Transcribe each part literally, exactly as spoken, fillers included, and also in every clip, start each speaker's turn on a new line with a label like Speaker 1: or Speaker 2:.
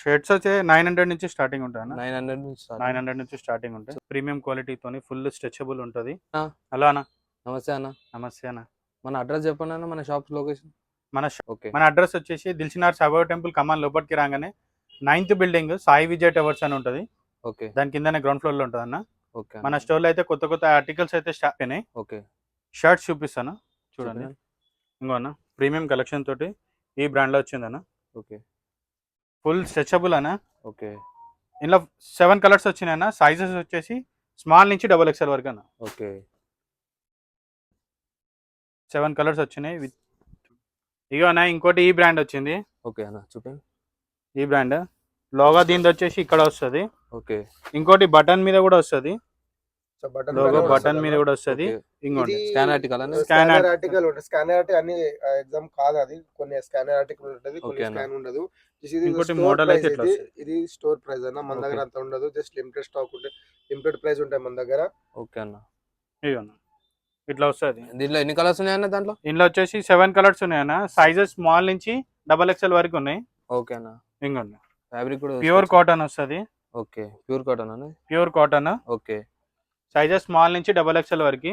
Speaker 1: Shirts వచ్చే nine hundred నుంచి starting ఉంటాయి అన్న.
Speaker 2: నైన్ హండ్రెడ్ నుంచి స్టార్ట్.
Speaker 1: నైన్ హండ్రెడ్ నుంచి స్టార్టింగ్ ఉంటాయి. ప్రీమియం క్వాలిటీతోని ఫుల్ స్ట్రెచబుల్ ఉంటుంది.
Speaker 2: ఆ,
Speaker 1: హలో అన్న.
Speaker 2: నమస్తే అన్న.
Speaker 1: నమస్తే అన్న.
Speaker 2: మన అడ్రస్ చెప్పండి అన్న, మన షాప్ లొకేషన్.
Speaker 1: మన ష-
Speaker 2: ఓకే
Speaker 1: మన అడ్రస్ వచ్చేసి దిల్సినార్ సాయిబాబా టెంపుల్ కమాన్ లోపలికి రాగానే ninth building Sai Vijay towers అని ఉంటుంది.
Speaker 2: ఓకే
Speaker 1: దాని కిందనే గ్రౌండ్ ఫ్లోర్ లో ఉంటుంది అన్న.
Speaker 2: ఓకే
Speaker 1: మన స్టోర్లో అయితే కొత్త కొత్త ఆర్టికల్స్ అయితే స్టార్ట్ అయినాయి.
Speaker 2: ఓకే
Speaker 1: షర్ట్స్ చూపిస్తాను చూడండి. ఇంకో అన్న ప్రీమియం కలెక్షన్ తోటి ఈ బ్రాండ్ లో వచ్చిందన్న.
Speaker 2: ఓకే
Speaker 1: ఫుల్ స్ట్రెచబుల్ అన్న.
Speaker 2: ఓకే
Speaker 1: ఇందులో సెవెన్ కలర్స్ వచ్చినాయి అన్న. సైజెస్ వచ్చేసి స్మాల్ నుంచి డబుల్ ఎక్స్ఎల్ వరకు అన్న.
Speaker 2: ఓకే
Speaker 1: సెవెన్ కలర్స్ వచ్చినాయి. విత్ ఇగో అన్న ఇంకోటి ఈ బ్రాండ్ వచ్చింది.
Speaker 2: ఓకే అన్న చూపండి.
Speaker 1: ఈ బ్రాండ్ లోగో దీనిది వచ్చేసి ఇక్కడ వస్తుంది.
Speaker 2: ఓకే
Speaker 1: ఇంకోటి బటన్ మీద కూడా వస్తుంది.
Speaker 3: సో బటన్
Speaker 1: లోగో
Speaker 3: పైన
Speaker 1: బటన్
Speaker 3: వస్తదన్న.
Speaker 1: మీద కూడా వస్తుంది.
Speaker 2: ఓకే.
Speaker 1: ఇంకోటి
Speaker 3: ఇది
Speaker 2: స్కాన్ ఆర్టికల్ అన్న.
Speaker 1: Scan
Speaker 3: స్కానర్
Speaker 1: art-
Speaker 3: ఆర్టికల్ ఉంటుంది. స్కానర్ ఆర్టికల్ అన్ని ఎగ్జామ్ కాదు, అది కొన్ని స్కానర్ ఆర్టికల్ ఉంటుంది, కొన్ని
Speaker 2: ఓకే అన్న.
Speaker 3: స్కాన్ ఉండదు. Just ఇది
Speaker 1: ఇంకోటి
Speaker 3: store
Speaker 1: model
Speaker 3: price
Speaker 1: అయితే ఇట్లా
Speaker 3: ఇది.
Speaker 1: వస్తది.
Speaker 3: ఇది స్టోర్ ప్రైస్ అన్న, మన దగ్గర
Speaker 2: ఓకే.
Speaker 3: అంత ఉండదు. జస్ట్ లిమిటెడ్ స్టాక్ ఉంటే లిమిటెడ్ ప్రైస్ ఉంటాయి మన దగ్గర.
Speaker 2: ఓకే అన్న.
Speaker 1: ఇగో అన్న ఇట్లా వస్తుంది.
Speaker 2: దీంట్లో ఎన్ని కలర్స్ ఉన్నాయి అన్న దాంట్లో?
Speaker 1: ఇందులో వచ్చేసి సెవెన్ కలర్స్ ఉన్నాయి అన్న. సైజెస్ స్మాల్ నుంచి డబల్ ఎక్స్ఎల్ వరకు ఉన్నాయి.
Speaker 2: ఓకే అన్న.
Speaker 1: ఇంకోండి
Speaker 2: ఫ్యాబ్రిక్ కూడా
Speaker 1: ప్యూర్ కాటన్ వస్తుంది.
Speaker 2: ఓకే ప్యూర్ కాటన్ అన్న.
Speaker 1: Pure cotton
Speaker 2: okay
Speaker 1: sizes small నుంచి డబల్ ఎక్స్ఎల్ వరకు.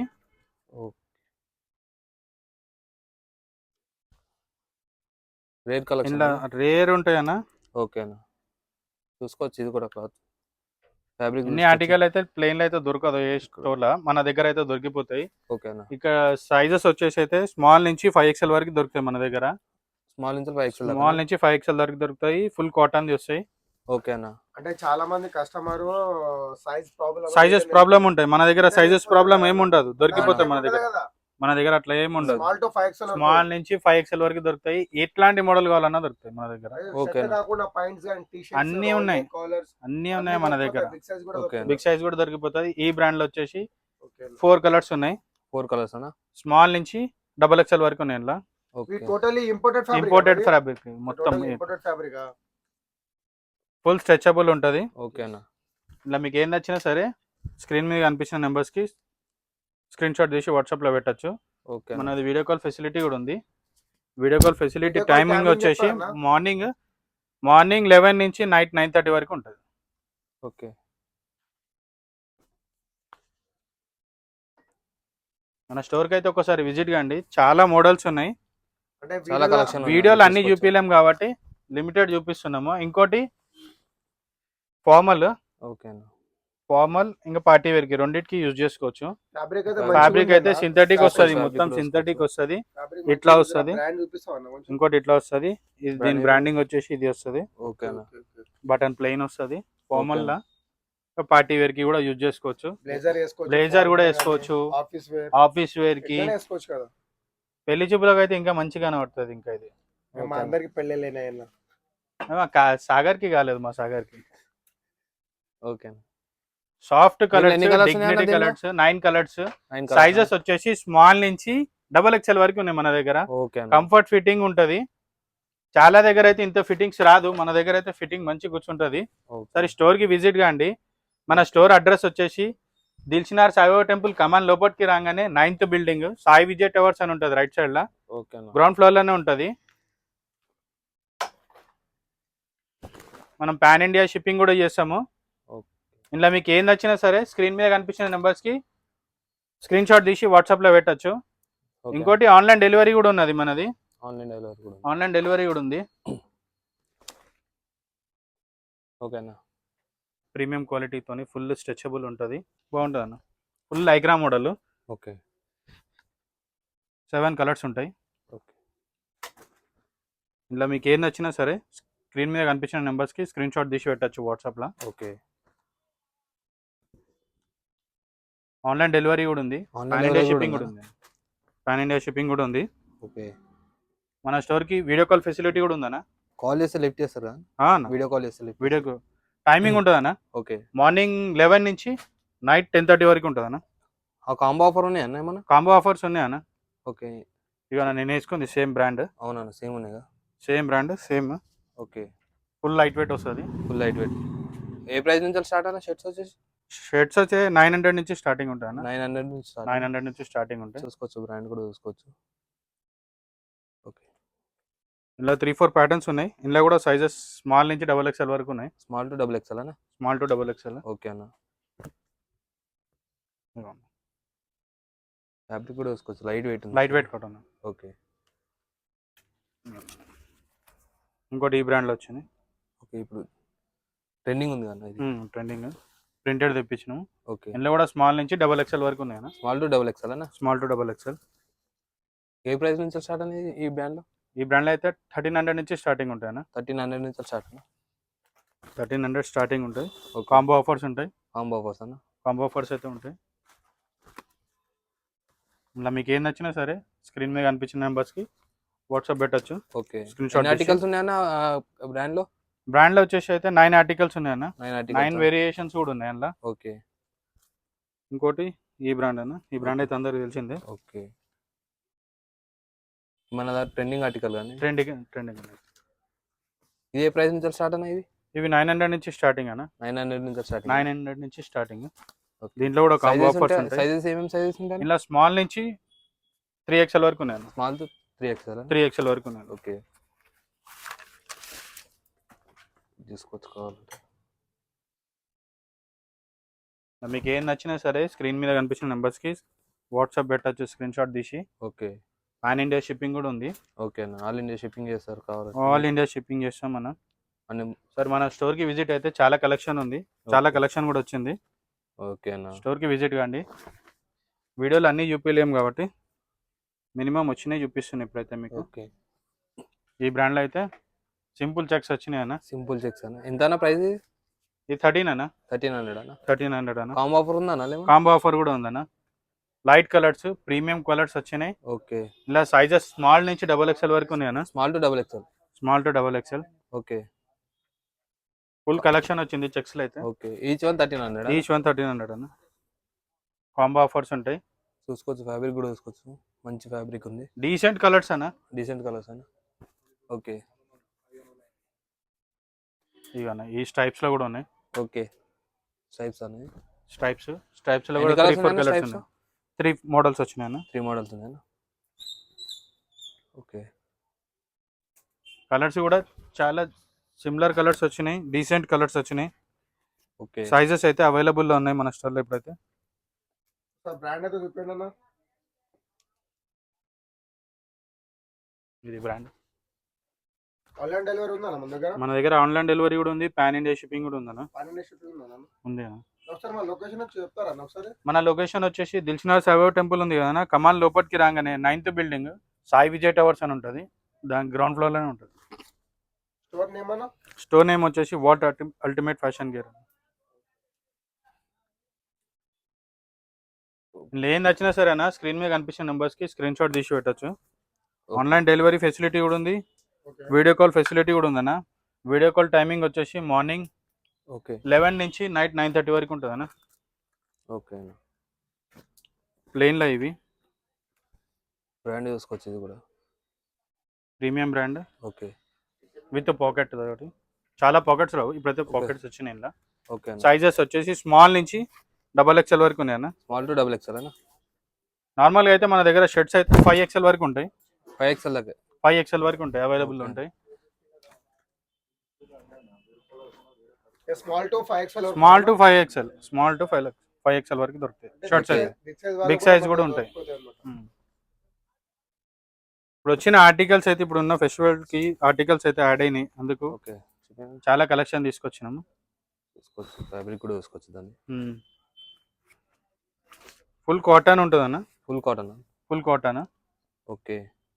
Speaker 2: Rare collection.
Speaker 1: ఇందులో రేర్ ఉంటాయి అన్న.
Speaker 2: ఓకే అన్న చూసుకోవచ్చు, ఇది కూడా క్లాత్ ఫ్యాబ్రిక్.
Speaker 1: ఇన్ని ఆర్టికల్ అయితే ప్లెయిన్ లో అయితే దొరకదు ఏ స్టోర్ లో. మన దగ్గర అయితే దొరికిపోతాయి.
Speaker 2: ఓకే అన్న.
Speaker 1: ఇక్కడ సైజెస్ వచ్చేసి అయితే స్మాల్ నుంచి ఫైవ్ ఎక్స్ఎల్ వరకు దొరుకుతాయి మన దగ్గర.
Speaker 2: స్మాల్ నుంచి ఫైవ్ ఎక్స్ఎల్.
Speaker 1: స్మాల్ నుంచి ఫైవ్ ఎక్స్ఎల్ వరకు దొరుకుతాయి. ఫుల్ కాటన్ వస్తాయి.
Speaker 2: ఓకే అన్న.
Speaker 3: అంటే చాలా మంది customer size problem
Speaker 1: sizes problem ఉంటాయి. మన దగ్గర సైజెస్ ప్రాబ్లం ఏమి ఉండదు, దొరికిపోతాయి మన దగ్గర.
Speaker 3: కదా.
Speaker 1: మన దగ్గర అట్లా ఏమి ఉండదు.
Speaker 3: Small to five XL
Speaker 1: small నుంచి ఫైవ్ ఎక్స్ఎల్ వరకు దొరుకుతాయి. ఎట్లాంటి మోడల్ కావాలన్నా దొరుకుతాయి మన దగ్గర.
Speaker 2: ఓకే.
Speaker 3: కాకుండా పాయింట్స్ అండ్ టీ షర్ట్స్
Speaker 1: అన్నీ ఉన్నాయి.
Speaker 3: కాలర్స్
Speaker 1: అన్నీ ఉన్నాయి మన దగ్గర.
Speaker 3: బిగ్ సైజ్ కూడా
Speaker 2: ఓకే.
Speaker 3: దొరుకుతాయి.
Speaker 1: బిగ్ సైజ్ కూడా దొరికిపోతుంది. ఈ బ్రాండ్ లో వచ్చేసి
Speaker 3: ఓకే అన్న.
Speaker 1: ఫోర్ కలర్స్ ఉన్నాయి.
Speaker 2: ఫోర్ కలర్స్ అన్న.
Speaker 1: స్మాల్ నుంచి డబల్ ఎక్స్ఎల్ వరకు ఉన్నాయి. ఇలా
Speaker 2: ఓకే
Speaker 3: ఇవి totally imported fabric.
Speaker 1: Imported fabric మొత్తం.
Speaker 3: Imported fabric.
Speaker 1: ఫుల్ స్ట్రెచబుల్ ఉంటుంది.
Speaker 2: ఓకే అన్న.
Speaker 1: ఇలా మీకు ఏం నచ్చినా సరే స్క్రీన్ మీద కనిపించిన నెంబర్స్కి స్క్రీన్ షాట్ తీసి వాట్సాప్లో పెట్టచ్చు.
Speaker 2: ఓకే
Speaker 1: మనది వీడియో కాల్ ఫెసిలిటీ కూడా ఉంది. Video call facility
Speaker 3: Video call
Speaker 1: timing
Speaker 3: timing
Speaker 1: వచ్చేసి
Speaker 3: చెప్పాలా?
Speaker 1: మార్నింగ్ మార్నింగ్ లెవెన్ నుంచి నైట్ నైన్ థర్టీ వరకు ఉంటుంది.
Speaker 2: ఓకే
Speaker 1: మన స్టోర్కి అయితే ఒకసారి విజిట్ కండి. చాలా మోడల్స్ ఉన్నాయి.
Speaker 3: అంటే
Speaker 2: చాలా
Speaker 3: వీడియోలో-
Speaker 2: collection ఉన్నాయి.
Speaker 1: వీడియోలు అన్ని
Speaker 2: చూసుకోవచ్చు.
Speaker 1: చూపించలేం కాబట్టి లిమిటెడ్ చూపిస్తున్నాము. ఇంకోటి ఫార్మల్
Speaker 2: ఓకే అన్న.
Speaker 1: ఫార్మల్ ఇంకా పార్టీ వేర్కి రెండింటికి యూజ్ చేసుకోవచ్చు.
Speaker 3: ఫ్యాబ్రిక్ అయితే
Speaker 2: Fabric
Speaker 1: ఫ్యాబ్రిక్ అయితే సింథటిక్ వస్తుంది.
Speaker 2: fabric
Speaker 1: మొత్తం
Speaker 2: కూడా
Speaker 1: సింథటిక్ వస్తుంది.
Speaker 3: ఫ్యాబ్రిక్
Speaker 1: ఇట్లా
Speaker 3: మంచిగా
Speaker 1: వస్తది.
Speaker 3: బ్రాండ్ చూపిస్తావా అన్న కొంచెం?
Speaker 1: ఇంకోటి ఇట్లా వస్తుంది. ఇది దీని
Speaker 2: Branding.
Speaker 1: బ్రాండింగ్ వచ్చేసి ఇది వస్తుంది.
Speaker 2: ఓకే అన్న.
Speaker 3: Okay, okay.
Speaker 1: బటన్ ప్లెయిన్ వస్తుంది. Formal
Speaker 2: Okay.
Speaker 1: లా పార్టీ వేర్ కి కూడా యూజ్ చేసుకోవచ్చు.
Speaker 3: బ్లేజర్ వేసుకోవచ్చు.
Speaker 1: బ్లేజర్ కూడా
Speaker 3: ఫార్మల్
Speaker 1: వేసుకోవచ్చు.
Speaker 3: కానీ, ఆఫీస్ వేర్
Speaker 1: ఆఫీస్ వేర్ కి
Speaker 3: ఎట్లైనా వేసుకోవచ్చు కదా.
Speaker 1: పెళ్లి చూపులకు అయితే ఇంకా మంచిగానే పడుతుంది. ఇంకా ఇది
Speaker 3: మా
Speaker 2: ఓకే.
Speaker 3: అందరికి పెళ్ళిళ్ళైనా
Speaker 1: ఏమో కా- సాగర్ కి కాలేదు, మా సాగర్ కి.
Speaker 2: ఓకే అన్న.
Speaker 1: సాఫ్ట్
Speaker 2: దీంట్లో
Speaker 1: కలర్స్,
Speaker 2: ఎన్ని colours ఉన్నాయి
Speaker 1: డిగ్నిటీ
Speaker 2: అన్న దీంట్లో?
Speaker 1: Colours, nine colours.
Speaker 2: Nine colours
Speaker 1: sizes వచ్చేసి స్మాల్ నుంచి డబల్ ఎక్స్ఎల్ వరకు ఉన్నాయి మన దగ్గర.
Speaker 2: ఓకే అన్న.
Speaker 1: కంఫర్ట్ ఫిట్టింగ్ ఉంటది. చాలా దగ్గర అయితే ఇంత ఫిట్టింగ్స్ రాదు, మన దగ్గర అయితే ఫిట్టింగ్ మంచి కూర్చుంటది.
Speaker 2: ఓకే.
Speaker 1: సరే స్టోర్ కి విజిట్ కాండి. మన స్టోర్ అడ్రస్ వచ్చేసి దిల్సినార్ సాయిబాబా టెంపుల్ కమాన్ లోపలికి రాగానే ninth building Sai Vijay towers అని ఉంటుంది. రైట్ సైడ్ లా
Speaker 2: ఓకే అన్న.
Speaker 1: గ్రౌండ్ ఫ్లోర్ లోనే ఉంటది. మనం పాన్ ఇండియా షిప్పింగ్ కూడా చేస్తాము.
Speaker 2: ఓకే.
Speaker 1: ఇందులో మీకు ఏం నచ్చినా సరే స్క్రీన్ మీద కనిపించిన నెంబర్స్ కి స్క్రీన్ షాట్ తీసి వాట్సాప్ లో పెట్టచ్చు.
Speaker 2: ఓకే.
Speaker 1: ఇంకోటి ఆన్లైన్ డెలివరీ కూడా ఉన్నది మనది.
Speaker 2: ఆన్లైన్ డెలివరీ కూడా ఉంది.
Speaker 1: ఆన్లైన్ డెలివరీ కూడా ఉంది.
Speaker 2: ఓకే అన్న.
Speaker 1: ప్రీమియం క్వాలిటీతోని ఫుల్ స్ట్రెచబుల్ ఉంటుంది. బాగుంటుంది అన్న. ఫుల్ ఐగ్రా మోడల్.
Speaker 2: ఓకే.
Speaker 1: సెవెన్ కలర్స్ ఉంటాయి.
Speaker 2: ఓకే.
Speaker 1: ఇందులో మీకు ఏం నచ్చినా సరే స్క్రీన్ మీద కనిపించిన నెంబర్స్కి స్క్రీన్ షాట్ తీసి పెట్టచ్చు వాట్సాప్లో.
Speaker 2: ఓకే.
Speaker 1: ఆన్లైన్ డెలివరీ కూడా ఉంది.
Speaker 2: Online
Speaker 1: pan India
Speaker 2: delivery
Speaker 1: shipping
Speaker 2: కూడా
Speaker 1: కూడా
Speaker 2: ఉందా?
Speaker 1: ఉంది. పాన్ ఇండియా షిప్పింగ్ కూడా ఉంది.
Speaker 2: ఓకే.
Speaker 1: మన స్టోర్కి వీడియో కాల్ ఫెసిలిటీ కూడా ఉందన్న.
Speaker 2: కాల్ చేస్తే లిఫ్ట్ చేస్తారా? వీడియో కాల్ చేస్తే లిఫ్ట్.
Speaker 1: వీడియో టైమింగ్ ఉంటుందన్న.
Speaker 2: ఓకే.
Speaker 1: మార్నింగ్ లెవెన్ నుంచి నైట్ టెన్ థర్టీ వరకు ఉంటుందన్న.
Speaker 2: ఆ కాంబో ఆఫర్ ఉన్నాయి అన్న ఏమన్నా?
Speaker 1: కాంబో ఆఫర్స్ ఉన్నాయన్న.
Speaker 2: ఓకే.
Speaker 1: ఇక నేను వేసుకుంది సేమ్ బ్రాండ్.
Speaker 2: అవునన్న సేమ్ ఉన్నాయి కదా.
Speaker 1: Same brand same.
Speaker 2: Okay.
Speaker 1: Full light weight వస్తుంది.
Speaker 2: Full light weight. ఏ ప్రైస్ నుంచి స్టార్ట్ అన్న షర్ట్స్ వచ్చేసి?
Speaker 1: షర్ట్స్ వచ్చే నైన్ హండ్రెడ్ నుంచి స్టార్టింగ్ ఉంటాయి అన్న.
Speaker 2: నైన్ హండ్రెడ్ నుంచి స్టార్ట్.
Speaker 1: నైన్ హండ్రెడ్ నుంచి స్టార్టింగ్ ఉంటాయి.
Speaker 2: చూసుకోవచ్చు, బ్రాండ్ కూడా చూసుకోవచ్చు. ఓకే.
Speaker 1: ఇలా త్రీ ఫోర్ ప్యాటర్న్స్ ఉన్నాయి. ఇందులో కూడా సైజెస్ స్మాల్ నుంచి డబల్ ఎక్స్ఎల్ వరకు ఉన్నాయి.
Speaker 2: స్మాల్ టు డబుల్ ఎక్స్ఎల్ అన్న.
Speaker 1: Small to double XL.
Speaker 2: Okay అన్న. ఫ్యాబ్రిక్ కూడా వేసుకోవచ్చు, లైట్ వెయిట్ ఉంది.
Speaker 1: Light weight cotton.
Speaker 2: ఓకే.
Speaker 1: ఇంకోటి ఈ బ్రాండ్లో వచ్చింది.
Speaker 2: ఓకే, ఇప్పుడు ట్రెండింగ్ ఉంది అన్న ఇది.
Speaker 1: ట్రెండింగ్ ప్రింటెడ్ తెప్పించినాము.
Speaker 2: ఓకే.
Speaker 1: ఇందులో కూడా స్మాల్ నుంచి డబల్ ఎక్స్ఎల్ వరకు ఉన్నాయి అన్న.
Speaker 2: స్మాల్ టు డబుల్ ఎక్స్ఎల్ అన్న.
Speaker 1: Small to double XL.
Speaker 2: ఏ ప్రైస్ నుంచి స్టార్ట్ అనేది ఈ బ్రాండ్లో?
Speaker 1: ఈ బ్రాండ్లో అయితే థర్టీన్ హండ్రెడ్ నుంచి స్టార్టింగ్ ఉంటాయి అన్న.
Speaker 2: థర్టీన్ హండ్రెడ్ నుంచి స్టార్ట్ అన్న.
Speaker 1: థర్టీన్ హండ్రెడ్ స్టార్టింగ్ ఉంటాయి. కాంబో ఆఫర్స్ ఉంటాయి.
Speaker 2: కాంబో ఆఫర్స్ అన్న.
Speaker 1: కాంబో ఆఫర్స్ అయితే ఉంటాయి. ఇలా మీకు ఏం నచ్చినా సరే స్క్రీన్ మీద కనిపించిన నెంబర్స్కి వాట్సాప్ పెట్టచ్చు.
Speaker 2: ఓకే.
Speaker 1: స్క్రీన్ షాట్
Speaker 2: ఆర్టికల్స్ ఉన్నాయన్న బ్రాండ్లో?
Speaker 1: బ్రాండ్లో వచ్చేసి అయితే నైన్ ఆర్టికల్స్ ఉన్నాయన్న.
Speaker 2: Nine
Speaker 1: nine
Speaker 2: articles.
Speaker 1: వేరియేషన్స్ కూడా ఉన్నాయి అందులో.
Speaker 2: ఓకే.
Speaker 1: ఇంకోటి ఈ బ్రాండ్ అన్న. ఈ బ్రాండ్ అయితే అందరికి తెలిసిందే.
Speaker 2: ఓకే. మన ట్రెండింగ్ ఆర్టికల్ కానీ
Speaker 1: ట్రెండింగ్ ట్రెండింగ్
Speaker 2: ఇది ఏ ప్రైస్ నుంచి స్టార్ట్ అన్న? ఇది
Speaker 1: ఇవి నైన్ హండ్రెడ్ నుంచి స్టార్టింగ్ అన్న.
Speaker 2: నైన్ హండ్రెడ్ నుంచి స్టార్ట్.
Speaker 1: నైన్ హండ్రెడ్ నుంచి స్టార్టింగ్. దీంట్లో కూడా కాంబో ఆఫర్స్ ఉంటాయి.
Speaker 2: సైజెస్ ఏమేమి సైజెస్ ఉంటాయి?
Speaker 1: ఇలా స్మాల్ నుంచి త్రీ ఎక్స్ఎల్ వరకు ఉన్నాయి.
Speaker 2: Small to three XL.
Speaker 1: Three XL వరకు ఉన్నాయి.
Speaker 2: ఓకే. తీసుకోవచ్చు కావాలంటే.
Speaker 1: మీకు ఏం నచ్చినా సరే స్క్రీన్ మీద కనిపించిన నెంబర్స్కి వాట్సాప్ పెట్టచ్చు స్క్రీన్ షాట్ తీసి.
Speaker 2: ఓకే.
Speaker 1: పాన్ ఇండియా షిప్పింగ్ కూడా ఉంది.
Speaker 2: ఓకే అన్న. ఆల్ ఇండియా షిప్పింగ్ చేస్తారు కావాలి.
Speaker 1: ఆల్ ఇండియా షిప్పింగ్ చేస్తాం మనం.
Speaker 2: అన్ని
Speaker 1: సార్ మన స్టోర్కి విజిట్ అయితే చాలా కలెక్షన్ ఉంది. చాలా కలెక్షన్ కూడా వచ్చింది.
Speaker 2: ఓకే అన్న.
Speaker 1: స్టోర్కి విజిట్ కాండి. వీడియోలు అన్నీ చూపించలేము కాబట్టి మినిమం వచ్చినాయి చూపిస్తున్నాయి ఇప్పుడైతే మీకు.
Speaker 2: ఓకే.
Speaker 1: ఈ బ్రాండ్లో అయితే సింపుల్ చెక్స్ వచ్చినాయి అన్న.
Speaker 2: సింపుల్ చెక్స్ అన్న. ఎంత అన్న ప్రైస్?
Speaker 1: ఇది థర్టీన్ అన్న.
Speaker 2: థర్టీన్ హండ్రెడ్ అన్న.
Speaker 1: థర్టీన్ హండ్రెడ్ అన్న.
Speaker 2: కాంబో ఆఫర్ ఉందా అన్న?
Speaker 1: కాంబో ఆఫర్ కూడా ఉందన్న. లైట్ కలర్స్ ప్రీమియం కలర్స్ వచ్చినాయి.
Speaker 2: ఓకే.
Speaker 1: ఇలా సైజెస్ స్మాల్ నుంచి డబల్ ఎక్స్ఎల్ వరకు ఉన్నాయి అన్న.
Speaker 2: Small to double XL.
Speaker 1: Small to double XL.
Speaker 2: Okay.
Speaker 1: Full collection వచ్చింది చెక్స్లో అయితే.
Speaker 2: Okay. Each one thirteen hundred.
Speaker 1: Each one thirteen hundred అన్న. కాంబో ఆఫర్స్ ఉంటాయి.
Speaker 2: చూసుకోవచ్చు. ఫ్యాబ్రిక్ కూడా చూసుకోవచ్చు. మంచి ఫ్యాబ్రిక్ ఉంది.
Speaker 1: డీసెంట్ కలర్స్ అన్న.
Speaker 2: డీసెంట్ కలర్స్ అన్న. ఓకే.
Speaker 1: ఇవన్న ఈ స్ట్రైప్స్ లో కూడా ఉన్నాయి.
Speaker 2: ఓకే. స్ట్రైప్స్ అనేది
Speaker 1: స్ట్రైప్స్ స్ట్రైప్స్ లో కూడా త్రీ ఫోర్ కలర్స్ ఉన్నాయి. త్రీ మోడల్స్ వచ్చినాయి అన్న.
Speaker 2: త్రీ మోడల్స్ ఉన్నాయి. ఓకే.
Speaker 1: కలర్స్ కూడా చాలా సిమిలర్ కలర్స్ వచ్చినాయి. డీసెంట్ కలర్స్ వచ్చినాయి.
Speaker 2: ఓకే.
Speaker 1: సైజెస్ అయితే అవైలబుల్లో ఉన్నాయి మన స్టోర్లో ఇప్పుడైతే.
Speaker 3: బ్రాండ్ అయితే చెప్పండి అన్న.
Speaker 1: ఇది బ్రాండ్.
Speaker 3: ఆన్లైన్ డెలివరీ ఉందా మన దగ్గర?
Speaker 1: మన దగ్గర ఆన్లైన్ డెలివరీ కూడా ఉంది. పాన్ ఇండియా షిప్పింగ్ కూడా ఉందన్న.
Speaker 3: పాన్ ఇండియా షిప్పింగ్ ఉందా?
Speaker 1: ఉంది అన్న.
Speaker 3: ఒకసారి మన లొకేషన్ వచ్చి చెప్తారా ఒకసారి?
Speaker 1: మన లొకేషన్ వచ్చేసి దిల్సుఖ్నగర్ సాయిబాబా టెంపుల్ ఉంది కదా, కమాన్ లోపలికి రాగానే ninth building Sai Vijay towers అని ఉంటుంది. దాని గ్రౌండ్ ఫ్లోర్ లోనే ఉంటుంది.
Speaker 3: స్టోర్ నేమ్ అన్న?
Speaker 1: స్టోర్ నేమ్ వచ్చేసి వాట్ అల్టిమేట్ ఫ్యాషన్ గేర్. ఏం నచ్చినా సరే అన్న స్క్రీన్ మీద కనిపించిన నెంబర్స్కి స్క్రీన్ షాట్ తీసి పెట్టచ్చు. ఆన్లైన్ డెలివరీ ఫెసిలిటీ కూడా ఉంది. వీడియో కాల్ ఫెసిలిటీ కూడా ఉందన్న. వీడియో కాల్ టైమింగ్ వచ్చేసి మార్నింగ్
Speaker 2: ఓకే
Speaker 1: లెవెన్ నుంచి నైట్ నైన్ థర్టీ వరకు ఉంటుంది అన్న.
Speaker 2: ఓకే.
Speaker 1: ప్లెయిన్లో ఇవి
Speaker 2: బ్రాండ్ చూసుకోవచ్చు. ఇది కూడా
Speaker 1: premium brand.
Speaker 2: Okay.
Speaker 1: With pocket ఒకటి. చాలా పాకెట్స్ రావు ఇప్పుడైతే, పాకెట్స్ వచ్చినాయి ఇలా.
Speaker 2: ఓకే.
Speaker 1: సైజెస్ వచ్చేసి స్మాల్ నుంచి డబల్ ఎక్స్ఎల్ వరకు ఉన్నాయి అన్న.
Speaker 2: స్మాల్ టు డబుల్ ఎక్స్ఎల్ అన్న.
Speaker 1: నార్మల్గా అయితే మన దగ్గర షర్ట్స్ అయితే ఫైవ్ ఎక్స్ఎల్ వరకు ఉంటాయి.
Speaker 2: ఫైవ్ ఎక్స్ఎల్ దగ్గర
Speaker 1: ఫైవ్ ఎక్స్ఎల్ వరకు ఉంటాయి, అవైలబుల్ ఉంటాయి.
Speaker 3: Small to five XL.
Speaker 1: Small to five XL small to five five XL వరకు దొరుకుతాయి షర్ట్స్ అయితే. బిగ్ సైజ్ కూడా ఉంటాయి. ఇప్పుడు వచ్చిన ఆర్టికల్స్ అయితే ఇప్పుడు ఉన్న ఫెస్టివల్ కి ఆర్టికల్స్ అయితే యాడ్ అయినాయి, అందుకు
Speaker 2: ఓకే
Speaker 1: చాలా కలెక్షన్ తీసుకొచ్చినాము.
Speaker 2: చూసుకోవచ్చు. ఫ్యాబ్రిక్ కూడా చూసుకోవచ్చు. దాన్ని
Speaker 1: ఫుల్ కాటన్ ఉంటుంది అన్న.
Speaker 2: Full cotton.
Speaker 1: Full cotton.
Speaker 2: Okay.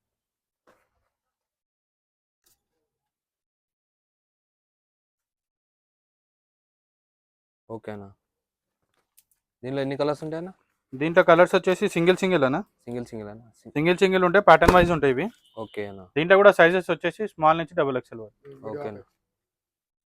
Speaker 2: Okay అన్న. దీనిలో ఎన్ని కలర్స్ ఉంటాయి అన్న?
Speaker 1: దీంట్లో కలర్స్ వచ్చేసి సింగిల్ సింగిల్ అన్న.
Speaker 2: సింగిల్ సింగిల్ అన్న.
Speaker 1: సింగిల్ సింగిల్ ఉంటాయి, ప్యాటర్న్ వైజ్ ఉంటాయి ఇవి.
Speaker 2: ఓకే అన్న.
Speaker 1: దీంట్లో కూడా సైజెస్ వచ్చేసి స్మాల్ నుంచి డబుల్ ఎక్స్ఎల్ వరకు.
Speaker 2: ఓకే అన్న.